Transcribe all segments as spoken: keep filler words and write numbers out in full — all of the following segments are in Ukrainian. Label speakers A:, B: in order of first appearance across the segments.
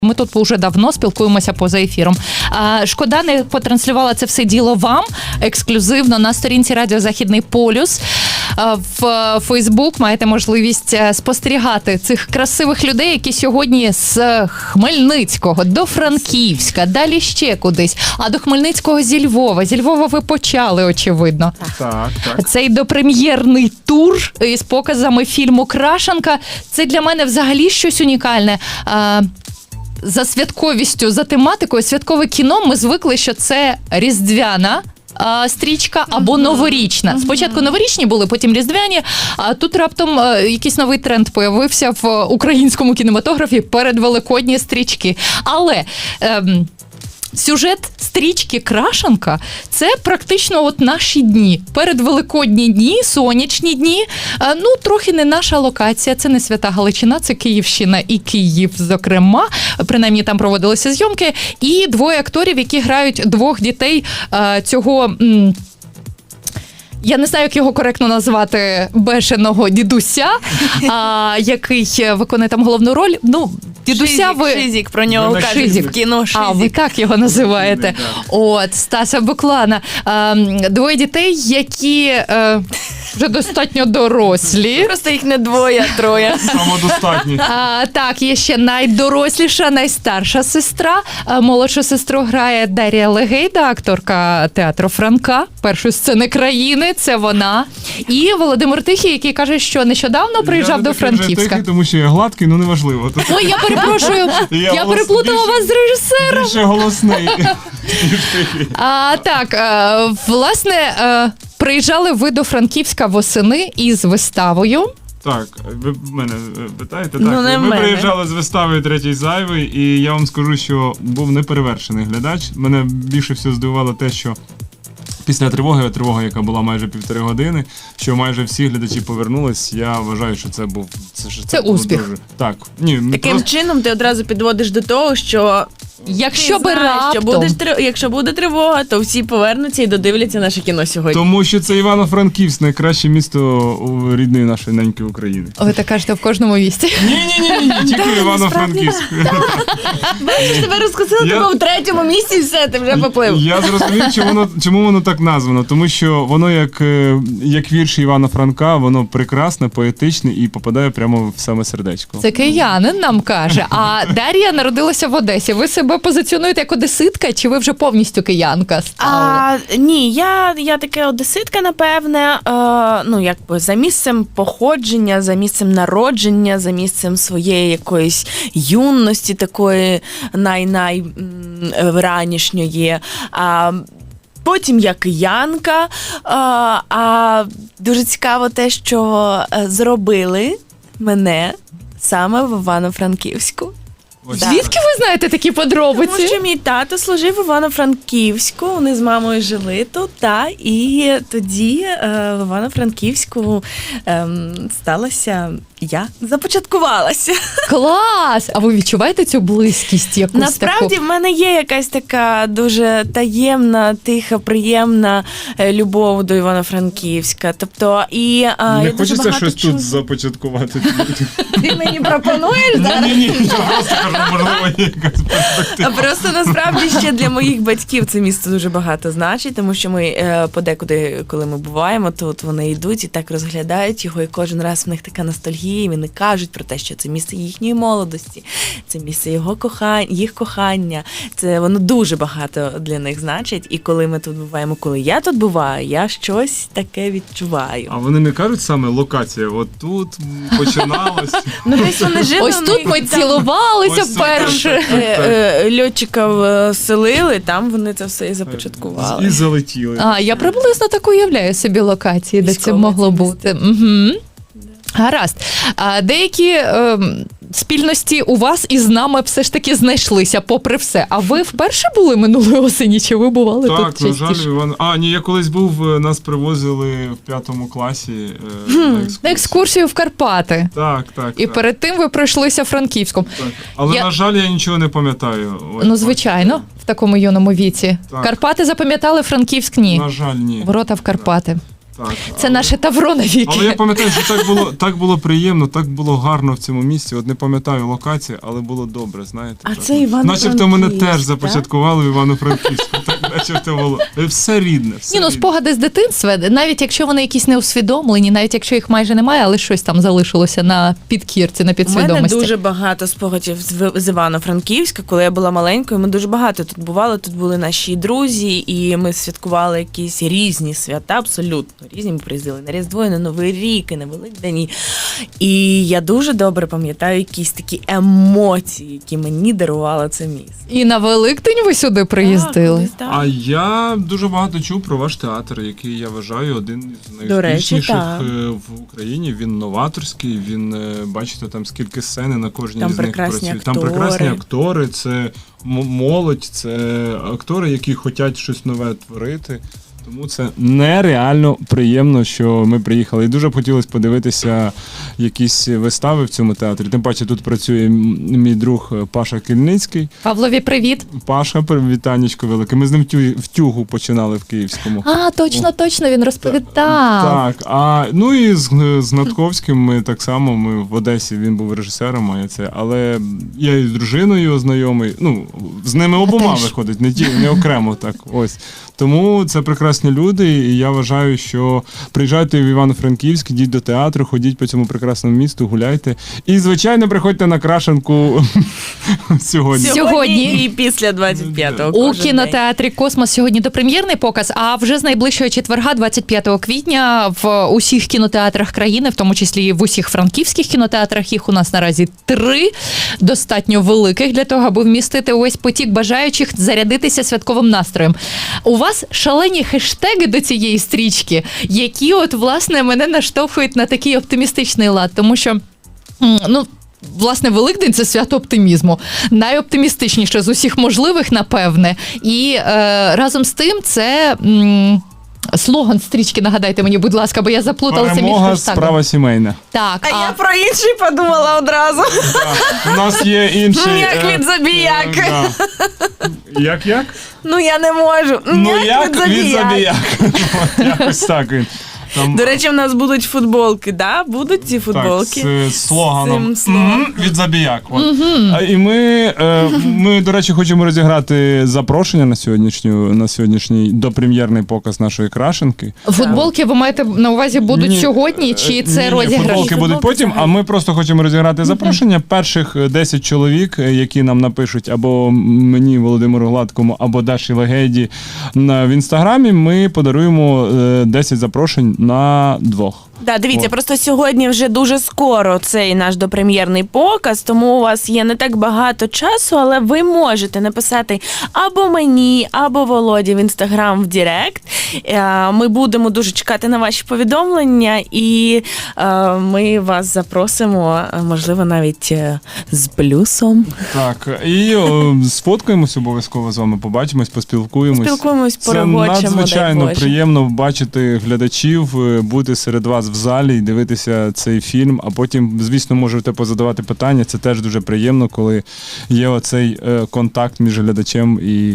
A: Ми тут вже давно спілкуємося поза ефіром. А, шкода, не потранслювала це все діло вам ексклюзивно на сторінці Радіо Західний полюс. А, в Фейсбук маєте можливість спостерігати цих красивих людей, які сьогодні з Хмельницького до Франківська, далі ще кудись, а до Хмельницького зі Львова. Зі Львова ви почали, очевидно.
B: Так, так.
A: Цей допрем'єрний тур із показами фільму «Крашенка» – це для мене взагалі щось унікальне. А, за святковістю, за тематикою, святкове кіно ми звикли, що це різдвяна а, стрічка або новорічна. Спочатку новорічні були, потім різдвяні, а тут раптом а, якийсь новий тренд появився в українському кінематографі – передвеликодні стрічки. Але... Ем, сюжет стрічки «Крашенка» – це практично от наші дні. Передвеликодні дні, сонячні дні. Ну, трохи не наша локація, це не Свята Галичина, це Київщина і Київ, зокрема. Принаймні там проводилися зйомки. І двоє акторів, які грають двох дітей цього... Я не знаю, як його коректно назвати, бешеного дідуся, а, який виконує там головну роль. Ну, дідуся
C: Шизик,
A: ви...
C: Шизик, про нього
B: Ну,
C: кажуть
B: Шизик.
C: в кіно Шизик.
A: А, ви так його називаєте. От, Стаса Буклана. А, двоє дітей, які е, вже достатньо дорослі.
C: Просто їх не двоє, а троє.
B: Самодостатні.
A: А, так, є ще найдоросліша, найстарша сестра. А, молодшу сестру грає Дар'я Легейда, акторка театру Франка, першої сцени країни. Це вона. І Володимир Тихий, який каже, що нещодавно приїжджав
B: я
A: до
B: не такий вже
A: Франківська.
B: Тихий, тому що я гладкий, ну неважливо. Тут
A: Ой, я перепрошую,
B: Я
A: я
B: голос-
A: переплутала
B: більше-
A: вас з режисером.
B: більше голосний, ніж Тихий.
A: А, так, е, власне, е, приїжджали ви до Франківська восени із виставою.
B: Так, ви в мене питаєте? Так,
C: Ну, не в
B: ми
C: мене.
B: приїжджали з виставою «Третій зайвий», і я вам скажу, що був неперевершений глядач. Мене більше всього здивувало те, що після тривоги, тривога, яка була майже півтори години, що майже всі глядачі повернулись, я вважаю, що це був... Це, що
A: Це
B: було
A: успіх.
B: Дуже... Так. Ні, ми
C: Таким
B: просто...
C: чином ти одразу підводиш до того, що
A: Якщо
C: ти
A: би
C: знаєш, що
A: раптом...
C: будеш, три- якщо буде тривога, то всі повернуться і додивляться наше кіно сьогодні.
B: Тому що це Івано-Франківськ, найкраще місто у рідної нашої неньки України.
A: Ви так кажете в кожному місті.
B: Ні-ні-ні, тільки Івано-Франківськ.
C: Бачиш, тебе розкусили,
B: Я-
C: тебе в третьому місці, і все, ти вже поплив.
B: Я зрозумів, чому воно, чому воно так названо. Тому що воно, як, е, як вірш Івана Франка, воно прекрасне, поетичне і попадає прямо в саме сердечко.
A: Це киянин нам каже. А Дар'я народилася в Одесі. Ви себе позиціонуєте як одеситка, чи ви вже повністю киянка стали?
C: А, ні, я, я таке одеситка, напевне, е, ну, якби за місцем походження, за місцем народження, за місцем своєї якоїсь юності, такої най-най м, ранішньої. А, потім я киянка, а, а дуже цікаво те, що е, зробили мене саме в Івано-Франківську.
B: Ось
C: Да.
A: Звідки ви знаєте такі подробиці?
C: Тому що мій тато служив в Івано-Франківську, вони з мамою жили тут, та, і тоді е, в Івано-Франківську е, сталося я, започаткувалася.
A: Клас! А ви відчуваєте цю близькість якусь
C: Насправді
A: таку?
C: в мене є якась така дуже таємна, тиха, приємна е, любов до Івано-Франківська. Тобто, і е,
B: Не
C: я дуже
B: хочеться
C: багато
B: щось
C: чую.
B: тут започаткувати.
C: Ти мені пропонуєш зараз?
B: Ні-ні, я просто кажу, можливо, є якась перспектива.
C: А просто насправді ще для моїх батьків це місто дуже багато значить, тому що ми е, подекуди, коли ми буваємо, то от вони йдуть і так розглядають його, і кожен раз в них така ностальгія, і вони кажуть про те, що це місце їхньої молодості, це місце його кохання, їх кохання. Це воно дуже багато для них значить. І коли ми тут буваємо, коли я тут буваю, я щось таке відчуваю.
B: А вони не кажуть саме локація, от тут починалось.
C: Ну десь вони жили.
A: Ось
C: у
A: тут
C: них
A: ми
C: там-
A: цілувалися
B: Ось тут,
A: вперше.
B: так,
C: Е, е, льотчиків е, селили, там вони це все і започаткували.
B: І залетіли.
A: А, я приблизно так уявляю собі локації, де це
C: Військове
A: могло
C: це
A: бути. Угу. Гаразд. А деякі ем, спільності у вас із нами все ж таки знайшлися, попри все. А ви вперше були минулої осені, чи ви бували
B: Так,
A: тут
B: на жаль,
A: частіше?
B: Іван. А, ні, я колись був, нас привозили в п'ятому класі е, на екскурсію.
A: На екскурсію в Карпати.
B: Так, так.
A: І
B: так,
A: перед тим ви пройшлися Франківськом.
B: так. Але,
A: Я-
B: на жаль, я нічого не пам'ятаю. Ось,
A: Ну, звичайно, в такому юному віці.
B: Так.
A: Карпати запам'ятали, Франківськ ні.
B: На жаль, ні.
A: Ворота в Карпати.
B: Так,
A: Це
B: але-
A: наше тавро навіки.
B: Але я пам'ятаю, що так було, так було приємно, так було гарно в цьому місці. От не пам'ятаю локації, але було добре, знаєте.
C: А
B: так.
C: це Івано-Франківськ,
B: Начебто мене теж
C: так?
B: започаткували в Івано-Франківську. Так, начебто було. Все рідне, все
A: Ні, ну
B: рідне.
A: спогади з дитинства, навіть якщо вони якісь не усвідомлені, навіть якщо їх майже немає, але щось там залишилося на підкірці, на
C: У мене
A: підсвідомості.
C: дуже багато спогадів з В- з Івано-Франківська, коли я була маленькою. Ми дуже багато тут бували. Тут були наші друзі, і ми святкували якісь різні свята, абсолютно різні. Ми приїздили на Різдво, і на Новий рік, і на Великдень. І- І я дуже добре пам'ятаю якісь такі емоції, які мені дарувало це місце.
A: І на Великдень ви сюди приїздили?
C: Так,
B: А я дуже багато чув про ваш театр, який я вважаю один із
C: До речі,
B: найуспішніших
C: так.
B: е, в Україні. Він новаторський. Він е, бачите, там скільки сцени на кожній
C: Там
B: з них
C: прекрасні
B: працює. Там
C: актори.
B: прекрасні актори, це м- молодь, це актори, які хочуть щось нове творити. Тому це нереально приємно, що ми приїхали. І дуже б хотілося подивитися якісь вистави в цьому театрі. Тим паче тут працює м- мій друг Паша Кільницький.
A: Павлові, привіт.
B: Паша, вітанечко велике. Ми з ним в тю- в тюгу починали в Київському.
A: А, точно, точно, він розповідав.
B: Так, а ну і з, з Натковським ми так само. Ми в Одесі, він був режисером, а я це. Але я і з дружиною знайомий. Ну, з ними обома
A: теж.
B: виходить, не ті, не окремо так. Ось. Тому це прекрасні люди, і я вважаю, що приїжджайте в Івано-Франківськ, йдіть до театру, ходіть по цьому прекрасному місту, гуляйте. І, звичайно, приходьте на Крашенку сьогодні.
A: Сьогодні.
C: і після двадцять п'ятого.
A: У
C: кожен день.
A: кінотеатрі Космос сьогодні допрем'єрний показ, а вже з найближчого четверга, двадцять п'ятого квітня, в усіх кінотеатрах країни, в тому числі і в усіх франківських кінотеатрах, їх у нас наразі три, достатньо великих для того, аби вмістити увесь потік бажаючих зарядитися святковим настроєм. У вас шалені хештеги до цієї стрічки, які от, власне, мене наштовхують на такий оптимістичний лад, тому що, м, ну, власне, Великдень – це свято оптимізму. Найоптимістичніше з усіх можливих, напевне. І е, разом з тим це м, слоган стрічки, нагадайте мені, будь ласка, бо я заплуталася між
B: Перемога,
A: хештагами.
B: справа сімейна.
A: Так,
C: А я про інший подумала одразу.
B: У нас є інший...
C: Як
B: е,
C: від забіяк.
B: е, да. Як як?
C: Ну я не можу.
B: Ну як від
C: забіяк.
B: забіяк. От якось так він. Там,
C: До речі, в нас будуть футболки, да? Будуть ці футболки?
B: так, з, з слоганом
C: З цим слоганом.
B: «Мгм, від забіяк. От. А, і ми, е, ми, до речі, хочемо розіграти запрошення на сьогоднішню на сьогоднішній допрем'єрний показ нашої Крашенки.
A: футболки ви маєте на увазі будуть
B: Ні,
A: сьогодні, чи
B: е,
A: це
B: ні,
A: розіграш?
B: Футболки будуть
C: Футболки
B: потім, а
C: взагалі.
B: ми просто хочемо розіграти запрошення. Перших десять чоловік, е, які нам напишуть або мені, Володимиру Гладкому, або Даші Легеді на в інстаграмі, ми подаруємо е, десять запрошень на двох.
C: Да, дивіться,
B: От.
C: просто сьогодні вже дуже скоро цей наш допрем'єрний показ, тому у вас є не так багато часу, але ви можете написати або мені, або Володі в інстаграм в Директ. Е, Ми будемо дуже чекати на ваші повідомлення, і е, ми вас запросимо, е, можливо, навіть е, з плюсом.
B: Так, і о, сфоткаємось обов'язково з вами, побачимось, поспілкуємось.
C: Спілкуємось,
B: Це
C: порегочемо, дай
B: надзвичайно
C: Боже.
B: приємно бачити глядачів, е, бути серед вас в залі і дивитися цей фільм, а потім, звісно, можете позадавати питання. Це теж дуже приємно, коли є оцей е, контакт між глядачем і,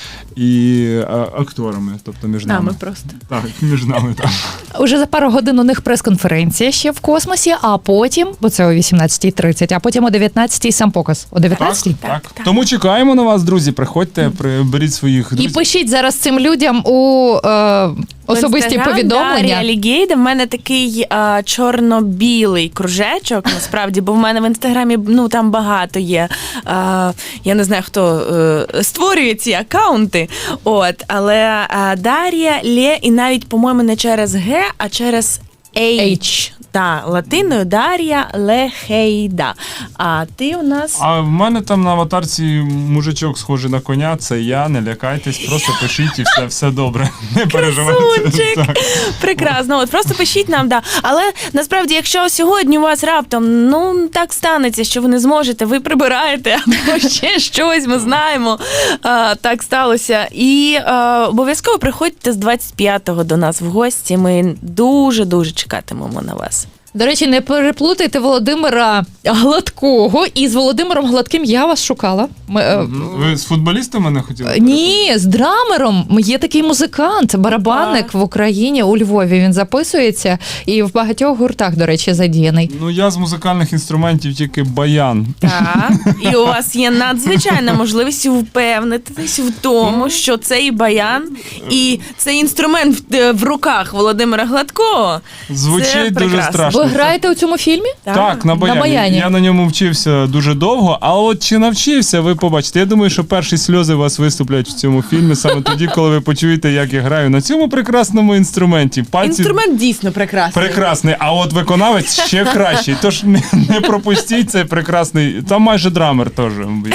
B: і е, акторами, тобто між нами.
C: Нами просто.
B: Так, між нами, так.
A: Уже за пару годин у них прес-конференція ще в космосі, а потім, бо це о вісімнадцятій тридцять, а потім о дев'ятнадцятій сам показ. О дев'ятнадцятій?
B: Так, так. Тому чекаємо на вас, друзі. Приходьте, при- беріть своїх
A: І
B: друзів.
A: пишіть зараз цим людям у е, особисті
C: В Інстаграм,
A: повідомлення.
C: Да, Алігейда. В мене такий а, чорно-білий кружечок, насправді, бо в мене в інстаграмі ну там багато є. А, я не знаю, хто е, створює ці акаунти. От, але а, Дар'я Лє, і навіть, по-моєму, не через Г, а через H.
A: H.
C: Та, латиною Дар'я Лехейда. А ти у нас.
B: А в мене там на аватарці мужичок схожий на коня, це я, не лякайтесь, просто пишіть і все, все добре. Не переживайте.
C: Красунчик!
B: Так.
C: Прекрасно, от просто пишіть нам, да. Але насправді, якщо сьогодні у вас раптом ну так станеться, що ви не зможете, ви прибираєте або ще щось, ми знаємо. А, так сталося. І а, обов'язково приходьте з двадцять п'ятого до нас в гості. Ми дуже дуже чекатимемо на вас.
A: До речі, не переплутайте Володимира Гладкого із Володимиром Гладким. Я вас шукала. Ми, е,
B: Ви з футболістом мене хотіли?
A: Ні, з драмером. Є такий музикант, барабанник в Україні, у Львові. Він записується і в багатьох гуртах, до речі, задіяний.
B: Ну, я з музикальних інструментів тільки баян.
C: Так, і у вас є надзвичайна можливість впевнитись в тому, що цей баян і цей інструмент в, в руках Володимира Гладкого.
B: Звучить
C: це
B: дуже
C: прекрасно.
B: страшно.
A: Ви граєте у цьому фільмі?
B: Так, на баяні.
A: На баяні.
B: Я на ньому вчився дуже довго, а от чи навчився, ви побачите. Я думаю, що перші сльози у вас виступлять в цьому фільмі саме тоді, коли ви почуєте, як я граю на цьому прекрасному інструменті. Пальці
C: Інструмент дійсно прекрасний.
B: прекрасний, а от виконавець ще кращий. Тож не, не пропустіть цей прекрасний. Там майже драмер теж.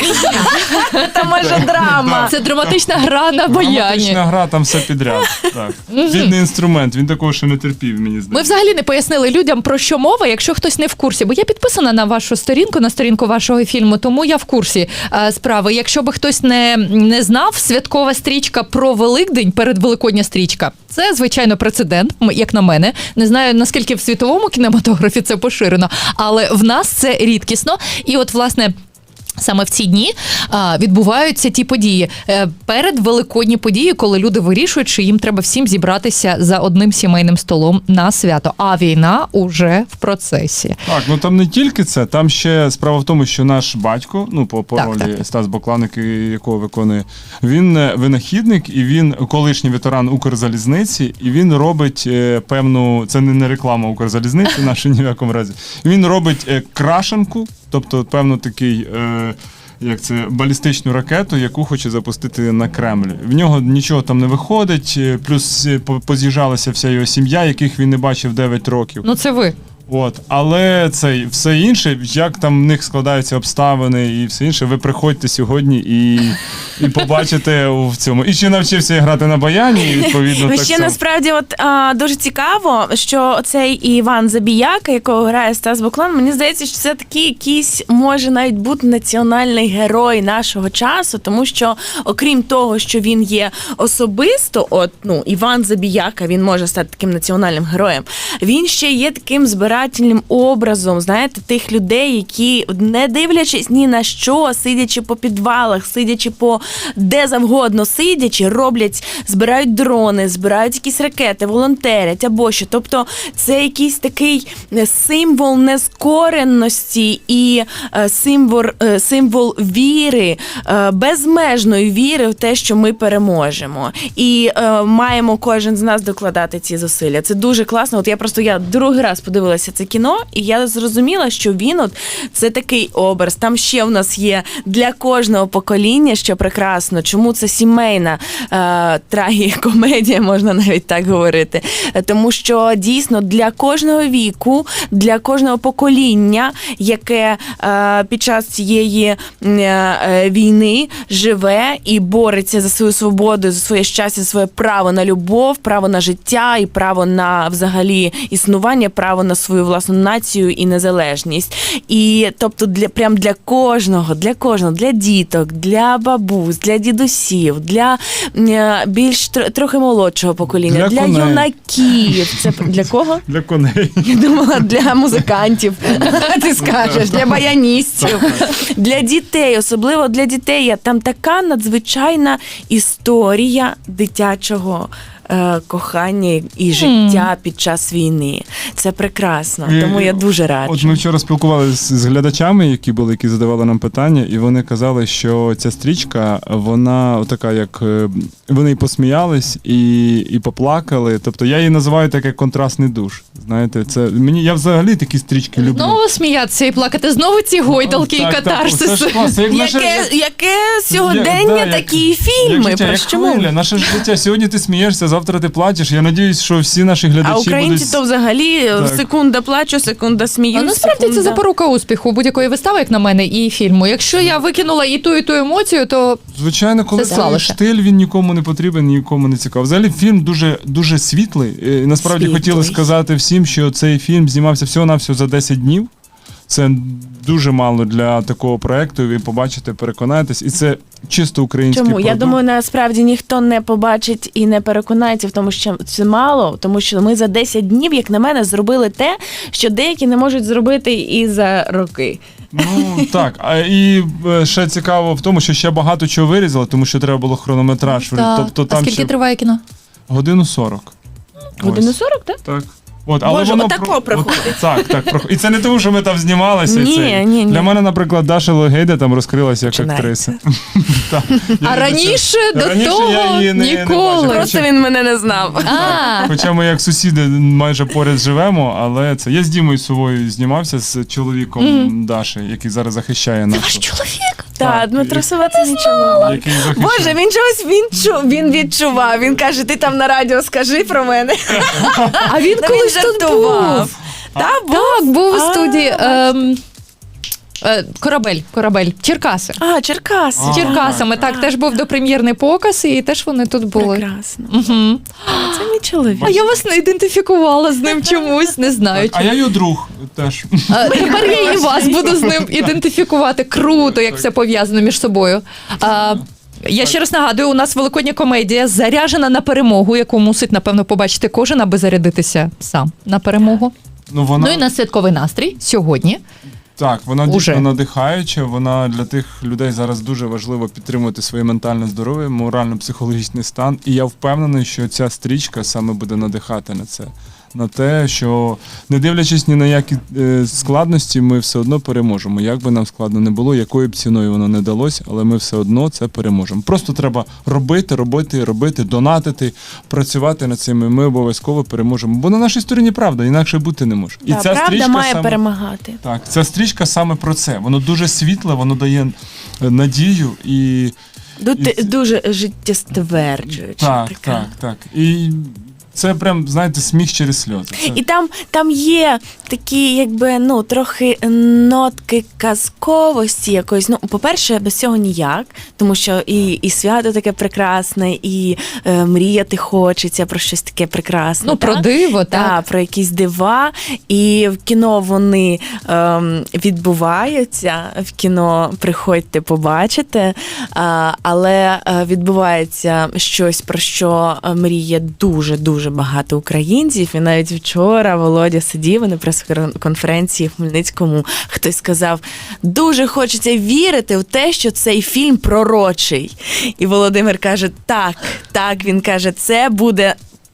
C: Там майже драма.
A: Це драматична гра на баяні.
B: Драматична гра, там все підряд. Так. Бідний інструмент, він такого ще не терпів, мені
A: Ми
B: здається.
A: взагалі не пояснили людям, про що мова, якщо хтось не в курсі. Бо я підписана на вашу сторінку, на сторінку вашого фільму, тому я в курсі е, справи. Якщо би хтось не, не знав, святкова стрічка про Великдень, передвеликодня стрічка, це, звичайно, прецедент, м- як на мене. Не знаю, наскільки в світовому кінематографі це поширено, але в нас це рідкісно. І от, власне, саме в ці дні а, відбуваються ті події. Е, передвеликодні події, коли люди вирішують, що їм треба всім зібратися за одним сімейним столом на свято. А війна уже в процесі.
B: Так, ну там не тільки це, там ще справа в тому, що наш батько, ну по, по
A: Так,
B: ролі
A: так, так.
B: Стас Бокланик, якого виконує, він е, винахідник і він колишній ветеран Укрзалізниці, і він робить е, певну, це не, не реклама Укрзалізниці, наша ні в якому разі. Він робить е, крашенку, тобто певно такий. Е, Як це балістичну ракету, яку хоче запустити на Кремль. В нього нічого там не виходить, е, плюс е, по- поз'їжджалася вся його сім'я, яких він не бачив дев'ять років.
A: Ну це ви.
B: От, але це все інше, як там в них складаються обставини і все інше, ви приходьте сьогодні і, і побачите в цьому. І ще навчився я грати на баяні, і відповідно так
C: Ще
B: само.
C: насправді от а, дуже цікаво, що цей Іван Забіяка, якого грає Стас Буклан, мені здається, що це такий якийсь може навіть бути національний герой нашого часу, тому що окрім того, що він є особисто, от ну Іван Забіяка, він може стати таким національним героєм. Він ще є таким збирательним образом, знаєте, тих людей, які, не дивлячись ні на що, сидячи по підвалах, сидячи по де завгодно сидячи, роблять, збирають дрони, збирають якісь ракети, волонтерять або що. Тобто це якийсь такий символ нескореності і е, символ, е, символ віри, е, безмежної віри в те, що ми переможемо. І е, маємо кожен з нас докладати ці зусилля. Це дуже класно. От я просто я другий раз подивилася це кіно, і я зрозуміла, що він от це такий образ. Там ще в нас є для кожного покоління, що прекрасно. Чому це сімейна е, трагікомедія, можна навіть так говорити. Е, Тому що дійсно для кожного віку, для кожного покоління, яке е, під час цієї е, е, війни живе і бореться за свою свободу, за своє щастя, за своє право на любов, право на життя і право на взагалі існування, право на свою власну націю і незалежність. І тобто для прям для кожного, для кожного, для діток, для бабусь, для дідусів, для е, більш тр- трохи молодшого покоління,
B: Для
C: для,
B: коней.
C: юнаків. Це для кого?
B: Для коней.
C: Я думала, для музикантів, ти скажеш, для баяністів, для дітей, особливо для дітей. Там така надзвичайна історія дитячого е, кохання і життя під час війни. Це прекрасно,
B: І-
C: тому я дуже раджу.
B: От ми вчора спілкувалися з глядачами, які були, які задавали нам питання, і вони казали, що ця стрічка, вона така, як е, вони і посміялись, і, і поплакали. Тобто я її називаю так, як контрастний душ. Знаєте, це мені я взагалі такі стрічки люблю.
A: Знову сміятися і плакати, знову ці гойдалки і
B: Так, так,
A: катарсиси.
B: це ж класно. Як наше-
C: Яке, яке сьогодення
B: Як- да, як-
C: такі
B: Як
C: фільми?
B: життя,
C: Про
B: як
C: що ми?
B: хвиля, наше ж життя. Сьогодні ти смієшся, завтра ти плачеш. Я надіюсь, що всі наші глядачі
C: А українці
B: будуть...
C: то взагалі
B: Так.
C: секунда плачу, секунда сміюсь.
A: А насправді це
C: секунда-
A: запорука успіху будь-якої вистави, як на мене, і фільму. Якщо я викинула і ту, і ту емоцію, то
B: Звичайно, коли
A: Це
B: цей
A: слалося.
B: штиль, він нікому не потрібен, нікому не цікавий. Взагалі фільм дуже, дуже світлий. І насправді
C: Світлий.
B: хотіли сказати всім, що цей фільм знімався всього-навсього за десять днів. Це дуже мало для такого проекту. Ви побачите, переконаєтесь, і це чисто український
C: Чому?
B: продукт.
C: Я думаю, насправді ніхто не побачить і не переконається в тому, що це мало, тому що ми за десять днів, як на мене, зробили те, що деякі не можуть зробити і за роки.
B: Ну так, а і е, ще цікаво в тому, що ще багато чого вирізали, тому що треба було хронометраж.
A: Так.
B: Тобто
A: А
B: там
A: скільки
B: ще
A: триває кіно?
B: годину сорок.
C: Годину
B: Ось.
C: сорок, так?
B: Так. От, але
C: Боже,
B: воно
C: отако
B: про-
C: проходить.
B: От, так, так. проход- І це не тому, що ми там знімалися.
C: Ні,
B: це.
C: ні, ні.
B: Для мене, наприклад, Даша Логейда там розкрилася як
C: Починається.
B: актриса. Так. Я
A: А
B: не
A: раніше
B: до
A: до
B: цього- раніше
A: того
B: я її не- не
A: ніколи.
B: бачив.
C: Просто він мене не знав.
A: А,
B: Хоча ми як сусіди майже поряд живемо, але це я з Дімою Сувою знімався з чоловіком Даші, який зараз захищає
A: ваш
B: нашу.
A: чоловік?
C: Так, Дмитро Сова це нічого.
B: Який захищає.
C: Боже, він чогось він чу, він відчував. Він каже, ти там на радіо скажи про мене.
A: А він
C: Та
A: колись
C: він
A: тут
C: жартував.
A: був.
C: Та, був.
A: Так, був у
C: А,
A: студії. Ем, е, Корабель, корабель, Черкаси.
C: А, Черкас.
B: А.
A: З Черкасами, так, теж був допрем'єрний показ, і теж вони тут були.
C: Прекрасно.
A: Угу.
C: Це мій чоловік.
A: А я вас не ідентифікувала з ним чомусь, не знаю.
B: А я його друг теж.
A: А, тепер я і вас буду з ним ідентифікувати. Круто, як все пов'язано між собою. А, я ще раз нагадую, у нас великодня комедія заряджена на перемогу, яку мусить, напевно, побачити кожен, аби зарядитися сам на перемогу.
B: Ну, вона...
A: Ну і на святковий настрій сьогодні.
B: Так, вона
A: Уже.
B: дійсно надихаюча. Вона для тих людей зараз дуже важливо підтримувати своє ментальне здоров'я, морально-психологічний стан. І я впевнений, що ця стрічка саме буде надихати на це. На те, що не дивлячись ні на які е, складності, ми все одно переможемо. Як би нам складно не було, якою б ціною воно не далось, але ми все одно це переможемо. Просто треба робити, робити, робити, донатити, працювати над цим, і ми обов'язково переможемо. Бо на нашій стороні правда, інакше бути не може. І
C: Та, правда
B: стрічка
C: має
B: саме...
C: перемагати.
B: Так, ця стрічка саме про це. Воно дуже світле, воно дає е, надію і.
C: Ду-
B: І-
C: Дуже життєстверджуюча.
B: Так,
C: така.
B: так, так. І це прям, знаєте, сміх через сльози. Це...
C: І там, там є такі, якби, ну, трохи нотки казковості якоїсь. Ну, по-перше, без цього ніяк, тому що і, і свято таке прекрасне, і е, мріяти хочеться про щось таке прекрасне.
A: Ну, про
C: так?
A: диво,
C: Так,
A: так.
C: про якісь дива. І в кіно вони ем, відбуваються. В кіно приходьте, побачите. А, але е, відбувається щось, про що е, мріє дуже-дуже багато українців. І навіть вчора Володя сидів на прес-конференції в Хмельницькому. Хтось сказав, дуже хочеться вірити в те, що цей фільм пророчий. І Володимир каже, так, так, він каже, це буде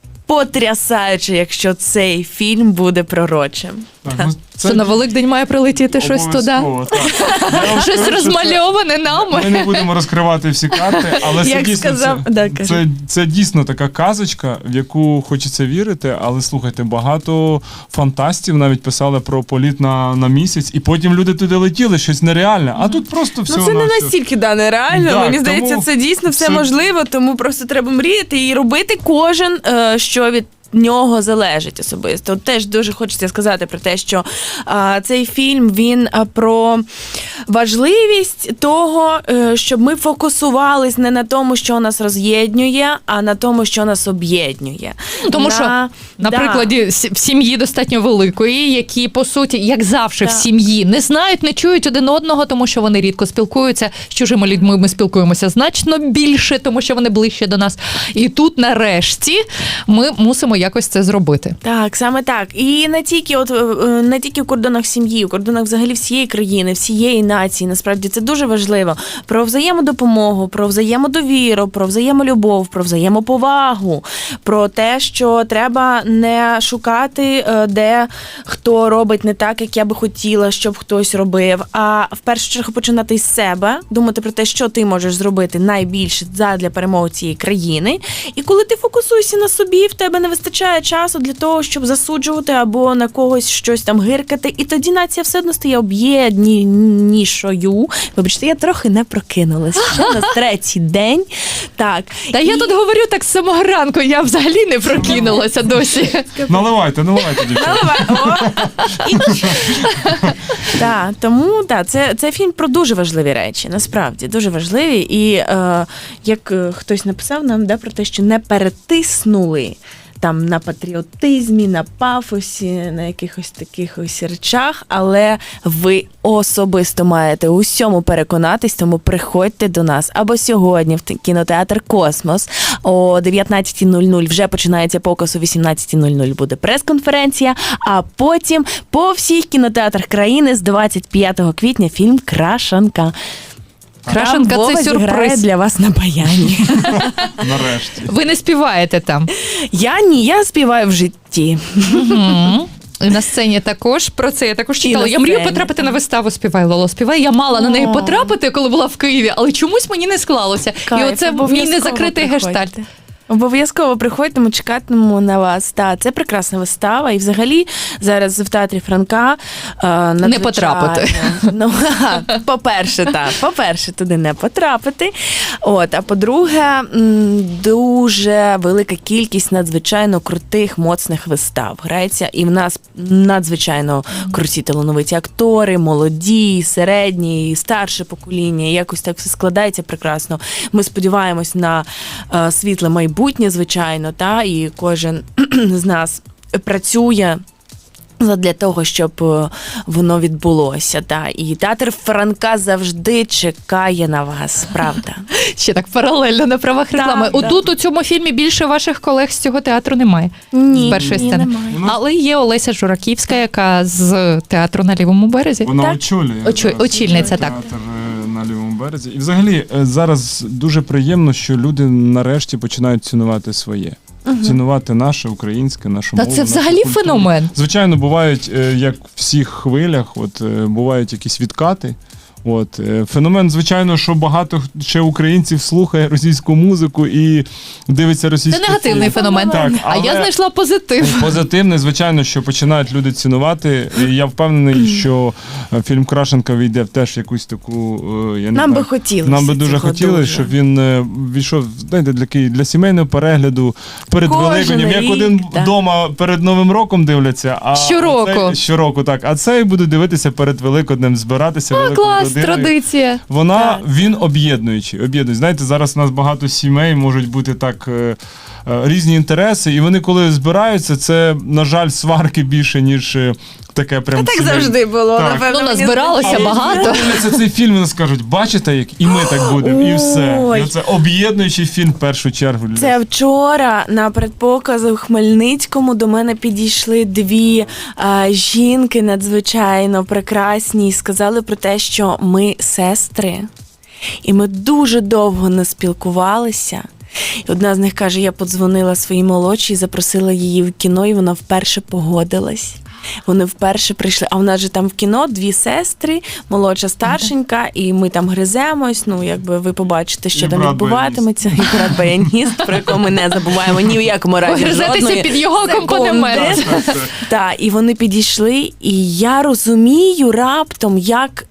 C: потрясаюче, якщо цей фільм буде пророчим.
B: Так, ну,
A: Це на Великдень має прилетіти щось туди.
B: обов'язково, так. Я вам
A: Щось
B: скажу, що
A: розмальоване
B: це-
A: нами.
B: Ми не будемо розкривати всі карти, але це
C: Як
B: дійсно,
C: сказав-
B: це,
C: да, кажи.
B: це, це дійсно така казочка, в яку хочеться вірити, але слухайте, багато фантастів навіть писали про політ на, на місяць, і потім люди туди летіли, щось нереальне, а тут просто все.
C: Ну, це не настільки да, нереально.
B: Так,
C: Мені здається,
B: тому
C: це дійсно все
B: це-
C: можливо, тому просто треба мріяти і робити кожен, е, що від нього залежить особисто. От теж дуже хочеться сказати про те, що а, цей фільм, він а, про важливість того, е, щоб ми фокусувались не на тому, що нас роз'єднує, а на тому, що нас об'єднує.
A: Ну, тому
C: На-
A: що, на
C: да.
A: прикладі с- в сім'ї достатньо великої, які, по суті, як завжди в
C: Так.
A: сім'ї, не знають, не чують один одного, тому що вони рідко спілкуються. З чужими людьми ми спілкуємося значно більше, тому що вони ближче до нас. І тут, нарешті, ми мусимо якось це зробити.
C: Так, саме так. І не тільки от е, не тільки в кордонах сім'ї, в кордонах взагалі всієї країни, всієї нації. Насправді це дуже важливо. Про взаємодопомогу, про взаємодовіру, про взаємолюбов, про взаємоповагу, про те, що треба не шукати, е, де хто робить не так, як я би хотіла, щоб хтось робив. А в першу чергу починати із себе, думати про те, що ти можеш зробити найбільше задля перемоги цієї країни. І коли ти фокусуєшся на собі, в тебе не вистачає часу для того, щоб засуджувати або на когось щось там гиркати, і тоді нація все одно стає об'єднанішою. Вибачте, я трохи не прокинулась. Ще на третій день. Так.
A: Та
C: І-
A: я тут говорю так з самого ранку, я взагалі не прокинулася досі.
B: Наливайте, наливайте, дівчата.
C: Наливай. О! І- Так, тому так, це, це фільм про дуже важливі речі, насправді, дуже важливі. І е, як е, хтось написав нам да, про те, що не перетиснули там на патріотизмі, на пафосі, на якихось таких ось речах, але ви особисто маєте у всьому переконатись, тому приходьте до нас або сьогодні в кінотеатр «Космос» о дев'ятнадцята нуль нуль вже починається показ, о вісімнадцята нуль нуль буде прес-конференція, а потім по всіх кінотеатрах країни з двадцять п'ятого квітня фільм «Крашанка».
A: Крашенка
C: Там Вова
A: це
C: зіграє
A: сюрприз.
C: для вас на баяні.
B: Нарешті.
A: Ви не співаєте там.
C: Я ні, я співаю в житті.
A: Мгм. І на сцені також про це я також
C: І
A: читала.
C: на
A: Я мрію
C: сцені.
A: потрапити на виставу «Співай, Лоло, співай». Я мала на неї
C: О.
A: потрапити, коли була в Києві, але чомусь мені не склалося. І
C: Кайф,
A: оце мій
C: обов'язково
A: незакритий
C: приходьте.
A: гештальт.
C: Обов'язково приходьте, ми чекатимемо на вас. Та це прекрасна вистава. І взагалі зараз в театрі Франка е, надзвичайно-
A: потрапити.
C: Ну, ха, по-перше, так, по-перше, туди не потрапити. От, а по-друге, м, дуже велика кількість надзвичайно крутих, моцних вистав грається. І в нас надзвичайно круті талановиті актори, молоді, середні, і старше покоління. І якось так все складається прекрасно. Ми сподіваємось на е, світле майбутнє, звичайно, та, і кожен з нас працює для того, щоб е, воно відбулося. Та. І театр Франка завжди чекає на вас, правда.
A: Ще так паралельно на правах реклами.
C: да.
A: Отут у цьому фільмі більше ваших колег з цього театру немає.
C: Ні,
A: З першої
C: ні,
A: сцени.
C: немає.
B: Ну,
A: Але є Олеся Жураківська, яка з театру на Лівому березі.
B: Вона
C: Так.
B: очолює.
A: Очо-
B: зараз
A: очільниця, так.
B: театр е, на Лівому березі. І взагалі е, зараз дуже приємно, що люди нарешті починають цінувати своє. Цінувати наше українське, нашу
A: Та
B: мову.
A: це
B: нашу
A: взагалі
B: культуру.
A: феномен.
B: Звичайно, бувають, е, як в всіх хвилях, от е, бувають якісь відкати. От е, феномен, звичайно, що багато ще українців слухає російську музику і дивиться російську.
A: Це негативний
B: фільм.
A: феномен.
B: Так,
A: А я
B: але-
A: знайшла позитив.
B: Позитивне, звичайно, що починають люди цінувати. І я впевнений, що е, фільм Крашенка війде в теж якусь таку. е, Я не
C: Нам би
B: знаю,
C: хотілося.
B: Нам би дуже
C: цього
B: хотілося,
C: дуже.
B: щоб він е, війшов, знаєте, для, ки- для сімейного перегляду перед
C: Кожен
B: Великоднем, як
C: рік,
B: один
C: так.
B: вдома перед Новим роком дивляться, а
A: Щороку.
B: цей- щороку, так. А цей буде дивитися перед Великоднем, збиратися
A: А,
B: великою
A: клас,
B: родиною.
A: традиція.
B: Вона,
C: Так.
B: він об'єднуючий, об'єднуючий. Знаєте, зараз у нас багато сімей можуть бути так е, е, різні інтереси, і вони коли збираються, це, на жаль, сварки більше, ніж е, таке прям
C: Так
B: сімейне.
C: завжди було,
B: Так.
C: напевно.
A: Ну,
C: мені
A: назбиралося
C: здається.
A: багато.
B: Дивляться цей фільм і вони скажуть, бачите, як і ми так будемо, і все.
C: Ой.
B: І це об'єднуючий фільм в першу чергу. для-
C: Це вчора на предпоказу в Хмельницькому до мене підійшли дві а, жінки надзвичайно прекрасні і сказали про те, що ми сестри. І ми дуже довго не спілкувалися. І одна з них каже, я подзвонила своїй молодшій, запросила її в кіно, і вона вперше погодилась. Вони вперше прийшли, а в нас же там в кіно дві сестри, молодша, старшенька, і ми там гриземось. Ну, якби ви побачите, що
B: І
C: там
B: брат
C: відбуватиметься. І брат баяніст, про якого ми не забуваємо ні в якому разі.
A: Погризетеся
C: жодної
A: під його
C: секунди.
A: акомпанемент.
B: Так, так.
C: Так, і вони підійшли, і я розумію раптом, як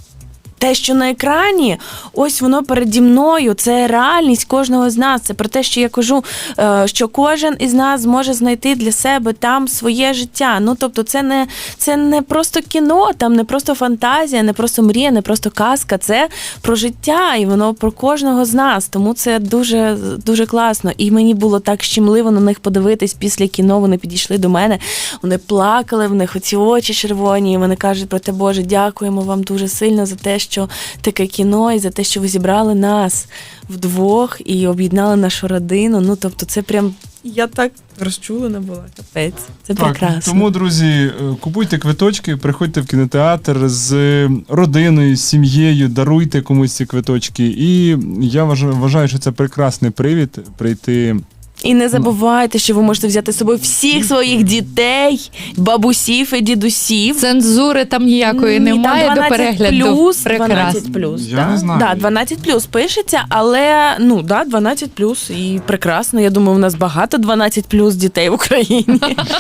C: те, що на екрані, ось воно переді мною, це реальність кожного з нас. Це про те, що я кажу, е, що кожен із нас зможе знайти для себе там своє життя. Ну, тобто, це не, це не просто кіно, там не просто фантазія, не просто мрія, не просто казка. Це про життя, і воно про кожного з нас. Тому це дуже, дуже класно. І мені було так щемливо на них подивитись після кіно. Вони підійшли до мене, вони плакали, в них оці очі червоні, і вони кажуть про те, Боже, дякуємо вам дуже сильно за те, що таке кіно, і за те, що ви зібрали нас вдвох і об'єднали нашу родину. Ну, тобто, це прям, я так розчулена була, капець. Це
B: Так,
C: прекрасно.
B: тому, друзі, е, купуйте квиточки, приходьте в кінотеатр з е, родиною, з сім'єю, даруйте комусь ці квиточки. І я вважаю, вважаю, що це прекрасний привід прийти.
C: І не забувайте, що ви можете взяти з собою всіх своїх дітей, бабусів і дідусів.
A: Цензури там ніякої
C: Ні, там
A: немає до
C: дванадцять
A: перегляду.
C: плюс,
A: Прекрасно.
C: дванадцять плюс.
B: Я
C: да?
B: не знаю.
C: Да, дванадцять плюс пишеться, але ну да, дванадцять плюс і прекрасно. Я думаю, у нас багато дванадцять плюс дітей в Україні.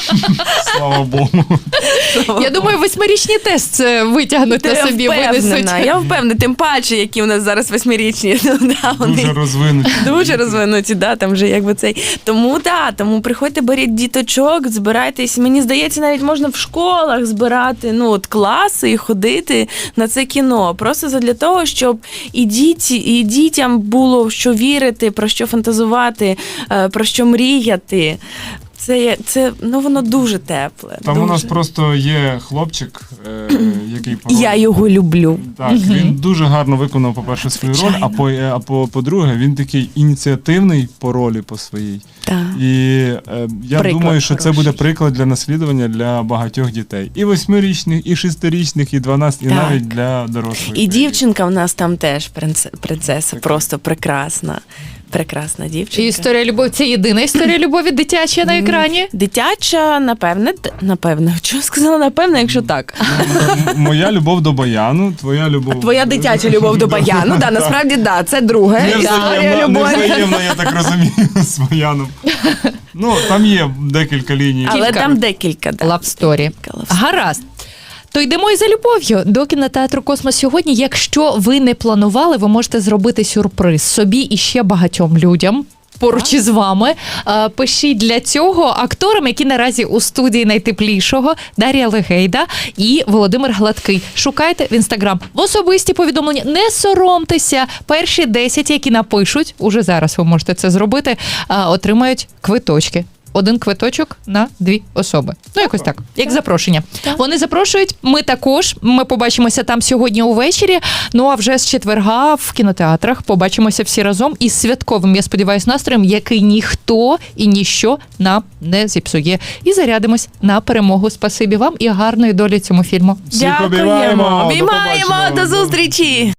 B: Слава Богу.
A: Я думаю, восьмирічний тест це витягнуть на
C: Я
A: собі, винесуть.
C: впевнена, я впевнена, тим паче, які у нас зараз восьмирічні. Ну, да, вони
B: Дуже розвинуті.
C: дуже розвинуті, да, там вже якби цей. Тому да, тому приходьте, беріть діточок, збирайтесь. Мені здається, навіть можна в школах збирати ну от класи і ходити на це кіно. Просто задля того, щоб і діті, і дітям було в що вірити, про що фантазувати, е, про що мріяти. Це, є- це ну воно дуже тепле.
B: Там
C: дуже.
B: у нас просто є хлопчик, е, який по ролі-
C: Я його люблю.
B: Так, він дуже гарно виконав, по-перше, свою роль, а по а по по-друге, він такий ініціативний по ролі по своїй.
C: Так.
B: І е, я
C: Приклад
B: думаю, що це
C: хороший.
B: буде приклад для наслідування для багатьох дітей. І восьмирічних, і шестирічних, і дванадцять, і
C: Так.
B: навіть для дорослих.
C: І дівчинка в нас там теж принце- принцеса, просто прекрасна. Прекрасна дівчинка.
A: І історія любові це єдина історія любові дитяча на екрані.
C: Дитяча, напевне, т- напевне. Чого сказала напевне, якщо так?
B: М- Моя любов до баяну, твоя любов.
C: Твоя дитяча любов до баяну, да, насправді да, це друге. Історія
B: Невзаємна,
C: любові.
B: невзаємна, я так розумію, з баяном. Ну, там є декілька ліній.
C: Але
A: Кілька.
C: там декілька, да.
A: Love story.
C: Love story.
A: Гаразд. То йдемо і за любов'ю до кінотеатру Космос сьогодні. Якщо ви не планували, ви можете зробити сюрприз собі і ще багатьом людям. Поруч із вами Е, пишіть для цього акторам, які наразі у студії найтеплішого, Дар'я Легейда і Володимир Гладкий. Шукайте в інстаграм в особисті повідомлення. Не соромтеся. Перші десять, які напишуть, уже зараз ви можете це зробити, е, отримають квиточки. Один квиточок на дві особи. Ну, якось так, як запрошення. Вони запрошують, ми також. Ми побачимося там сьогодні увечері. Ну а вже з четверга в кінотеатрах побачимося всі разом із святковим, я сподіваюся, настроєм, який ніхто і ніщо нам не зіпсує. І зарядимось на перемогу. Спасибі вам і гарної долі цьому фільму.
B: Всіх обіймаємо.
C: Дякуємо.
B: До
C: Обіймаємо.
B: побачення.
C: До зустрічі.